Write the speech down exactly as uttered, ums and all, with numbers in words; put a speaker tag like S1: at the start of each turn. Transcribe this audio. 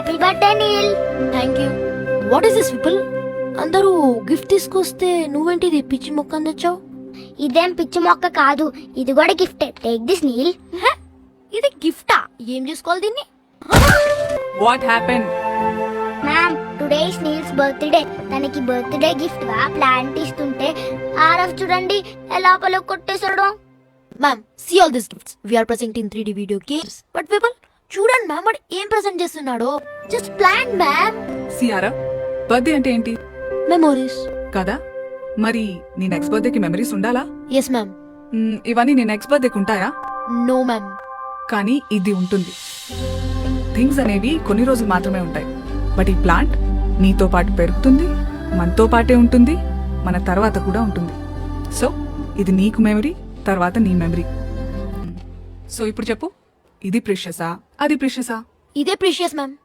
S1: Happy birthday Neel.
S2: Thank you. What is this people? అందరూ gift తీసుకొస్తే నువ్వేంటిది పిచ్చి మొక్క తెచ్చావు?
S1: ఇదేం పిచ్చి మొక్క కాదు, ఇది కూడా గిఫ్ట్. Take this Neel.
S2: ఇది గిఫ్టా? ఏం చేసుకోవాలి దీన్ని?
S3: What happen?
S1: Ma'am, today is Neel's birthday. తనకి బర్త్డే గిఫ్ట్ గా ప్లాంట్ ఇస్తుంటే ఆరఫ్ చూడండి ఎలా పలు కొట్టేశాడు.
S2: Ma'am, see all this gifts. We are presenting three D video games. But people చూడండి మ్యామ్, వాడు ఏం ప్రెజెంట్ చేస్తున్నాడో. Just plan ma'am.
S3: Ciara, birthday అంటే ఏంటి?
S2: మెమోరీస్
S3: కదా, మరి నీ నెక్స్ట్ బర్త్డేకి మెమరీస్ ఉండాలా?
S2: Yes ma'am.
S3: మ్, ఇవన్నీ నీ నెక్స్ట్ బర్త్డేకి ఉంటాయా?
S2: No ma'am.
S3: కానీ ఇది ఉంటుంది. థింగ్స్ అనేవి కొన్ని రోజులు మాత్రమే ఉంటాయి, బట్ ఈ ప్లాంట్ నీతో పాటు పెరుగుతుంది, మనతో పాటే ఉంటుంది, మన తర్వాత కూడా ఉంటుంది. సో ఇది నీకు మెమరీ, తర్వాత నీ మెమరీ. సో ఇప్పుడు చెప్పు, ఇది ప్రిషియసా, అది ప్రిషియసా?
S2: ఇదే ప్రీషియస్ మ్యామ్.